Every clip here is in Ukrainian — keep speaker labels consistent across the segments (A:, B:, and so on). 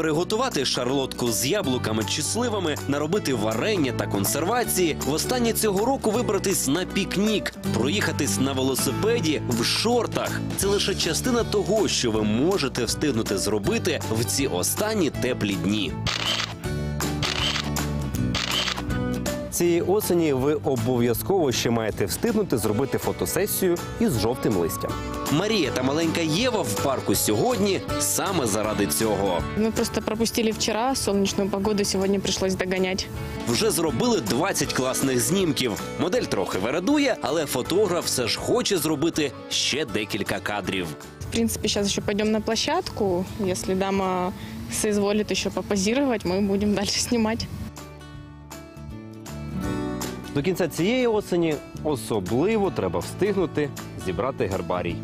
A: приготувати шарлотку з яблуками чи сливами, наробити варення та консервації, востаннє цього року вибратись на пікнік, проїхатись на велосипеді в шортах. Це лише частина того, що ви можете встигнути зробити в ці останні теплі дні.
B: Цієї осені ви обов'язково ще маєте встигнути зробити фотосесію із жовтим листям.
A: Марія та маленька Єва в парку сьогодні саме заради цього.
C: Мы просто пропустили вчера солнечную погоду, сегодня пришлось догонять.
A: Вже зробили 20 класних знімків. Модель трохи вередує, але фотограф все ж хоче зробити ще декілька кадрів.
C: В принципе, сейчас еще пойдем на площадку. Если дама соизволит еще попозировать, мы будем дальше снимать.
B: До кінця цієї осені особливо треба встигнути зібрати гербарій.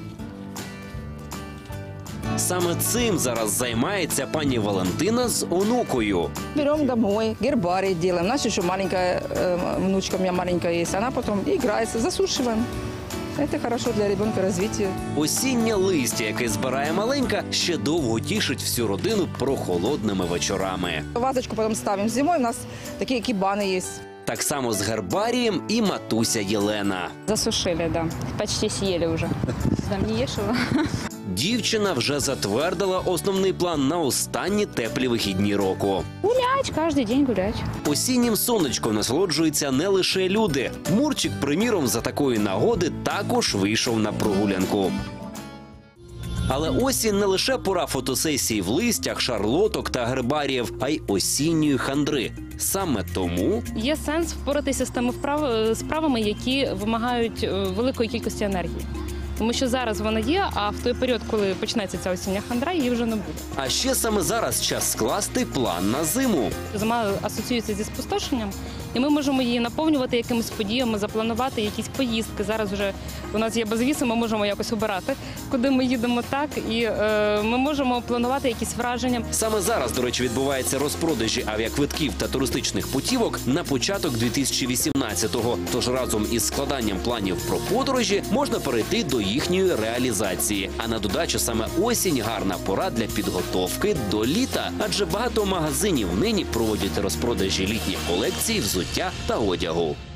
A: Саме цим зараз займається пані Валентина з онукою.
D: Берем домой, гербарий делаем. У нас еще маленькая внучка, у меня маленькая есть, она потом играется, засушиваем. Это хорошо для ребенка развития.
A: Осіннє листя, яке збирає маленька, ще довго тішить всю родину прохолодними вечорами.
D: Вазочку потом ставим зимой, у нас такие кибаны есть.
A: Так само з гербарієм і матуся Єлена.
E: Засушили, да. Почти съели уже. Там не ешь его?
A: Дівчина вже затвердила основний план на останні теплі вихідні року.
E: Гулять, каждый день гулять.
A: Осіннім сонечком насолоджуються не лише люди. Мурчик, приміром, за такої нагоди також вийшов на прогулянку. Але осінь не лише пора фотосесій в листях, шарлоток та гербаріїв, а й осінньої хандри. Саме тому
E: Є сенс впоратися з тими справами, які вимагають великої кількості енергії. Тому що зараз вона є, а в той період, коли почнеться ця осіння хандра, її вже не буде.
A: А ще саме зараз час скласти план на зиму.
E: Зима асоціюється зі спустошенням, і ми можемо її наповнювати якимись подіями, запланувати якісь поїздки. Зараз вже у нас є безвіси, ми можемо якось обирати, куди ми їдемо так, і ми можемо планувати якісь враження.
A: Саме зараз, до речі, відбуваються розпродажі авіаквитків та туристичних путівок на початок 2018-го. Тож разом із складанням планів про подорожі можна перейти до їхньої реалізації. А на додачу саме осінь – гарна пора для підготовки до літа. Адже багато магазинів нині проводять розпродажі літніх колекцій, взуття та одягу.